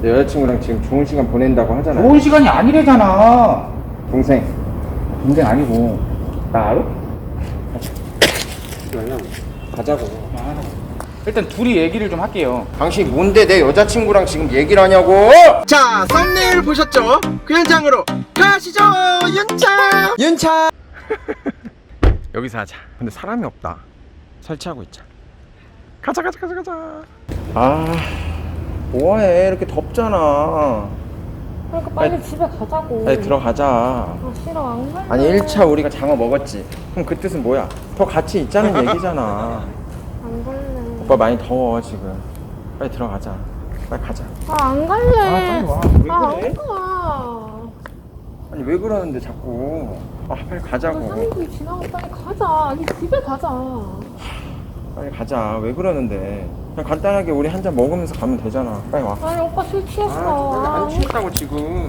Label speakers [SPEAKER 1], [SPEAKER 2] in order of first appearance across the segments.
[SPEAKER 1] 내 여자친구랑 지금 좋은 시간 보낸다고 하잖아.
[SPEAKER 2] 좋은 시간이 아니래잖아.
[SPEAKER 1] 동생.
[SPEAKER 2] 동생 아니고 나 알아?
[SPEAKER 1] 가자고.
[SPEAKER 2] 일단 둘이 얘기를 좀 할게요.
[SPEAKER 1] 당신 뭔데 내 여자친구랑 지금 얘기를 하냐고?
[SPEAKER 3] 자, 썸네일 보셨죠? 그 현장으로 가시죠. 윤차.
[SPEAKER 1] 여기서 하자. 근데 사람이 없다. 설치하고 있자. 가자. 아, 뭐해? 이렇게 덥잖아.
[SPEAKER 4] 그러니까 빨리 집에 가자고.
[SPEAKER 1] 빨리 들어가자.
[SPEAKER 4] 아 싫어, 안 갈래.
[SPEAKER 1] 아니 1차 우리가 장어 먹었지. 그럼 그 뜻은 뭐야? 더 같이 있자는 얘기잖아.
[SPEAKER 4] 안 갈래.
[SPEAKER 1] 오빠 많이 더워 지금. 빨리 들어가자. 빨리 가자.
[SPEAKER 4] 아 안 갈래.
[SPEAKER 1] 빨리 와. 왜
[SPEAKER 4] 아
[SPEAKER 1] 그래?
[SPEAKER 4] 안 가.
[SPEAKER 1] 아니 왜 그러는데 자꾸. 아 빨리
[SPEAKER 4] 나
[SPEAKER 1] 가자고.
[SPEAKER 4] 사람들이 지나고 빨리 가자. 아니 집에 가자.
[SPEAKER 1] 빨리 가자. 왜 그러는데? 그냥 간단하게 우리 한 잔 먹으면서 가면 되잖아. 빨리 와.
[SPEAKER 4] 아니 오빠 술 취했어.
[SPEAKER 1] 안 취했다고 지금.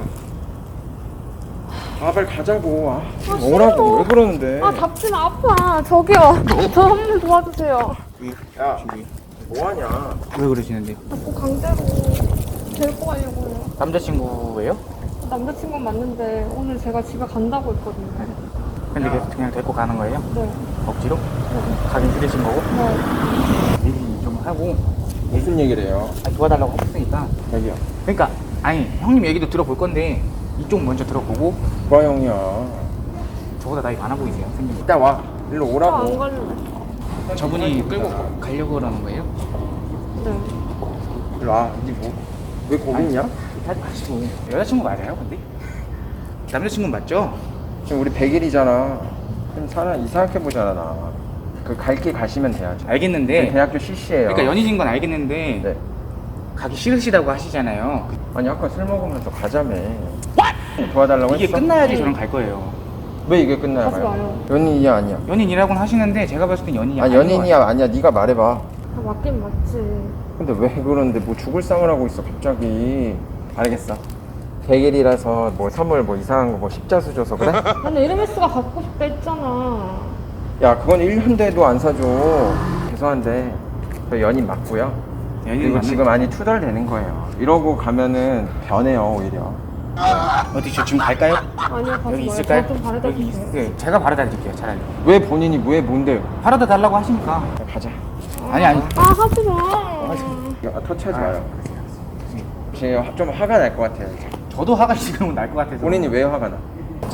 [SPEAKER 1] 아 빨리 가자고.
[SPEAKER 4] 아,
[SPEAKER 1] 오라고.
[SPEAKER 4] 싫어.
[SPEAKER 1] 왜 그러는데?
[SPEAKER 4] 아 잡지 마 아파. 저기요. 저 한 번 도와주세요.
[SPEAKER 1] 야 뭐하냐?
[SPEAKER 2] 왜 그러시는데?
[SPEAKER 4] 자꾸 강제로 데리고 가려고요.
[SPEAKER 2] 남자친구예요?
[SPEAKER 4] 남자친구는 맞는데 오늘 제가 집에 간다고 했거든요.
[SPEAKER 2] 근데 그냥 데리고 가는 거예요?
[SPEAKER 4] 네.
[SPEAKER 2] 억지로? 가긴 싫으신 거고?
[SPEAKER 4] 네.
[SPEAKER 2] 얘기 좀 하고
[SPEAKER 1] 무슨 얘기를 해요?
[SPEAKER 2] 도와달라고 하셨으니까.
[SPEAKER 1] 자기야.
[SPEAKER 2] 그러니까 아니 형님 얘기도 들어볼 건데 이쪽 먼저 들어보고.
[SPEAKER 1] 누가 형이야?
[SPEAKER 2] 저보다 나이 많아 보이세요 생긴 거.
[SPEAKER 1] 이따 와. 일로
[SPEAKER 4] 아, 안
[SPEAKER 1] 오라고.
[SPEAKER 4] 갈래.
[SPEAKER 2] 저분이 끌고 가려고 그러는 거예요?
[SPEAKER 4] 네.
[SPEAKER 1] 일로 와. 니 뭐? 왜 거기 있냐?
[SPEAKER 2] 하지 마시고. 여자친구 맞아요 근데? 남자친구 맞죠?
[SPEAKER 1] 지금 우리 100일이잖아. 좀 사람 이상하게 보잖아 나. 그 갈 길 가시면 돼야죠.
[SPEAKER 2] 알겠는데
[SPEAKER 1] 대학교 CC예요.
[SPEAKER 2] 그러니까 연인인 건 알겠는데
[SPEAKER 1] 네.
[SPEAKER 2] 가기 싫으시다고 하시잖아요.
[SPEAKER 1] 아니 아까 술 먹으면서 가자며. 도와달라고
[SPEAKER 2] 이게
[SPEAKER 1] 했어?
[SPEAKER 2] 끝나야지 저랑 갈 거예요.
[SPEAKER 1] 왜 이게 끝나야
[SPEAKER 4] 하지
[SPEAKER 1] 가요?
[SPEAKER 4] 마요.
[SPEAKER 1] 연인이야 아니야?
[SPEAKER 2] 연인이라고는 하시는데 제가 봤을 땐 연인이
[SPEAKER 1] 아
[SPEAKER 2] 아닌 것
[SPEAKER 1] 연인이야 아니야? 네가 말해봐.
[SPEAKER 4] 아, 맞긴 맞지.
[SPEAKER 1] 근데 왜 그러는데 뭐 죽을 상을 하고 있어 갑자기. 알겠어. 100일이라서 뭐 선물 뭐 이상한 거 뭐 십자수 줘서 그래?
[SPEAKER 4] 나는 에르메스가 갖고 싶다 했잖아.
[SPEAKER 1] 야 그건 1년 돼도 안 사줘. 죄송한데 저 연인 맞고요.
[SPEAKER 2] 연인
[SPEAKER 1] 그리고
[SPEAKER 2] 맞는
[SPEAKER 1] 지금 많이 투덜대는 거예요. 이러고 가면은 변해요 오히려.
[SPEAKER 2] 어디 저 지금 갈까요?
[SPEAKER 4] 아니요, 가지
[SPEAKER 2] 여기
[SPEAKER 4] 마요.
[SPEAKER 2] 있을까요?
[SPEAKER 4] 저좀 바래다
[SPEAKER 2] 여기
[SPEAKER 4] 주세요.
[SPEAKER 2] 네, 제가 바래다 드릴게요 차라리.
[SPEAKER 1] 왜 본인이 왜 뭔데?
[SPEAKER 2] 바래다 달라고 하시니까.
[SPEAKER 1] 야, 가자.
[SPEAKER 2] 아니
[SPEAKER 4] 아, 하지 마.
[SPEAKER 1] 야, 터치하지 마요. 지금 좀 화가 날 것 같아요. 이제.
[SPEAKER 2] 저도 화가 지금은 날 것 같아서.
[SPEAKER 1] 본인이 왜 화가 나?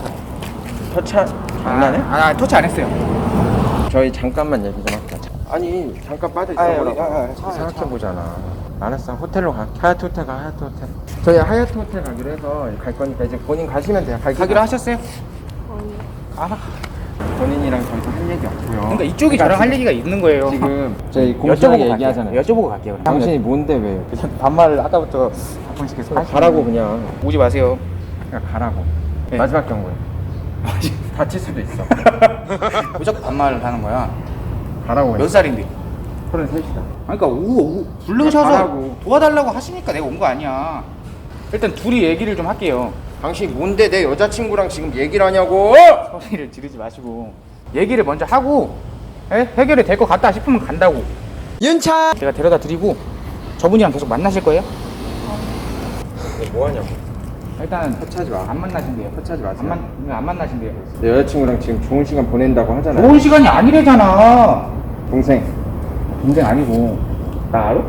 [SPEAKER 1] 장난해?
[SPEAKER 2] 터치 안 했어요.
[SPEAKER 1] 저희 잠깐만 얘기 좀 할게요. 아니 잠깐 빠져 있어보라고.
[SPEAKER 2] 차.
[SPEAKER 1] 생각해보잖아. 알았어. 호텔로 가. 하얏트 호텔 가. 하얏트 호텔. 저희 하얏트 호텔 가기로 해서 갈 거니까 이제 본인 가시면 돼요.
[SPEAKER 2] 가기로 하셨어요?
[SPEAKER 4] 아니.
[SPEAKER 2] 알아.
[SPEAKER 1] 본인이랑 더 이상 할 얘기 없고요.
[SPEAKER 2] 그러니까 이쪽이 저랑 할 얘기가 있는 거예요.
[SPEAKER 1] 지금 저희 공식하게 얘기하잖아요.
[SPEAKER 2] 여쭤보고 갈게요. 그럼.
[SPEAKER 1] 당신이 뭔데 왜?
[SPEAKER 2] 그냥 반말을 아까부터 가끔씩 계속
[SPEAKER 1] 가라고 그냥.
[SPEAKER 2] 오지 마세요.
[SPEAKER 1] 그냥 가라고.
[SPEAKER 2] 네.
[SPEAKER 1] 마지막 경고에. 다칠 수도 있어.
[SPEAKER 2] 무조건 반말을 하는 거야.
[SPEAKER 1] 가라고.
[SPEAKER 2] 몇 살인데?
[SPEAKER 1] 33이다.
[SPEAKER 2] 그러니까 부르셔서
[SPEAKER 1] 가라고.
[SPEAKER 2] 도와달라고 하시니까 내가 온 거 아니야. 일단 둘이 얘기를 좀 할게요.
[SPEAKER 1] 당신 뭔데 내 여자친구랑 지금 얘기를 하냐고?
[SPEAKER 2] 소리를 지르지 마시고 얘기를 먼저 하고 해결이 될 것 같다 싶으면 간다고.
[SPEAKER 3] 윤차.
[SPEAKER 2] 제가 데려다 드리고 저분이랑 계속 만나실 거예요?
[SPEAKER 1] 뭐 하냐고.
[SPEAKER 2] 일단
[SPEAKER 1] 터치하지 마.
[SPEAKER 2] 안 만나신대요.
[SPEAKER 1] 터치하지 마세요.
[SPEAKER 2] 안 만나신대요.
[SPEAKER 1] 내 여자친구랑 지금 좋은 시간 보낸다고 하잖아.
[SPEAKER 2] 좋은 시간이 아니래잖아.
[SPEAKER 1] 동생.
[SPEAKER 2] 동생 아니고 나 알아?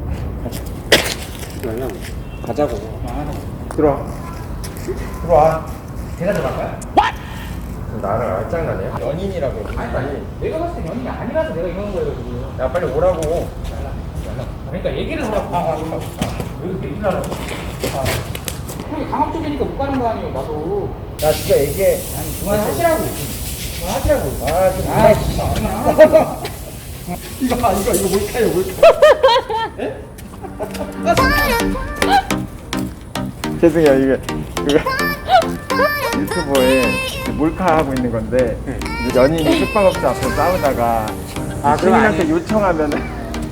[SPEAKER 1] 가자고. 들어와.
[SPEAKER 2] 들어와. 제가 들어갈까요?
[SPEAKER 1] 나랑 알짱나네. 연인이라고.
[SPEAKER 2] 아니 내가 봤을 때 연인이 아니라서 내가 이러는 거예요 지금.
[SPEAKER 1] 야 빨리 오라고.
[SPEAKER 2] 그러니까 얘기를 하라고. 여기서 얘기를 하라고. 형이 강압 쪽이니까 못 가는 거 아니에요 나도.
[SPEAKER 1] 야 진짜 얘기해.
[SPEAKER 2] 아니 그만하시라고. 그만하시라고.
[SPEAKER 3] 이거 뭘까요?
[SPEAKER 1] 죄송해요 이게 유튜브에 몰카 하고 있는 건데 이제 연인이 숙박업자 앞에서 싸우다가 시민한테 요청하면은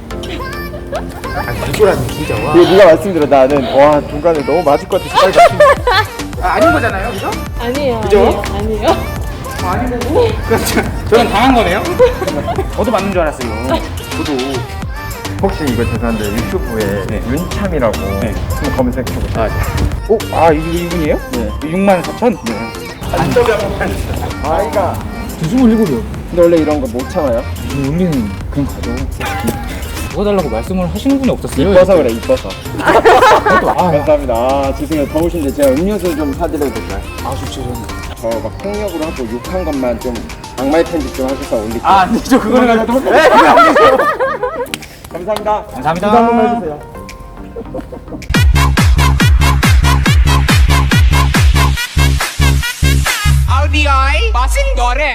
[SPEAKER 2] 이거라면 진짜 와.
[SPEAKER 1] 네가 말씀드려 나는 와 중간에 너무 맞을 것 같아서 빨리 말씀.
[SPEAKER 2] 아닌 거잖아요, 그죠?
[SPEAKER 4] 아니에요.
[SPEAKER 2] 그죠?
[SPEAKER 4] 아니에요.
[SPEAKER 2] 아닌 거고. 저는 당한 거네요. 저도 맞는 줄 알았어요. 저도.
[SPEAKER 1] 혹시 이거 죄송한데 유튜브에
[SPEAKER 2] 네.
[SPEAKER 1] 윤참이라고
[SPEAKER 2] 네.
[SPEAKER 1] 한번 검색해보세요.
[SPEAKER 2] 이분이에요?
[SPEAKER 1] 네.
[SPEAKER 2] 64,000? 네.
[SPEAKER 1] 인터뷰 한번 해주세요. 아이가
[SPEAKER 2] 27이요.
[SPEAKER 1] 근데 원래 이런 거 못 참아요?
[SPEAKER 2] 우리는 그냥 가죠. 도와달라고 말씀을 하시는 분이 없었어요.
[SPEAKER 1] 이뻐서 그래 이뻐서.
[SPEAKER 2] 아,
[SPEAKER 1] 감사합니다. 아 죄송해요 더우신데 제가 음료수 좀 사드려도 될까요?
[SPEAKER 2] 아 좋죠.
[SPEAKER 1] 저 막 폭력으로 하고 욕한 것만 좀 악마의 편집 좀 하셔서 올릴게요.
[SPEAKER 2] 아, 근데 저 그거는 가지고
[SPEAKER 1] 네, 감사합니다.
[SPEAKER 2] 감사합니다.
[SPEAKER 1] 인사 한번 해주세요.
[SPEAKER 5] RBI passing Dore.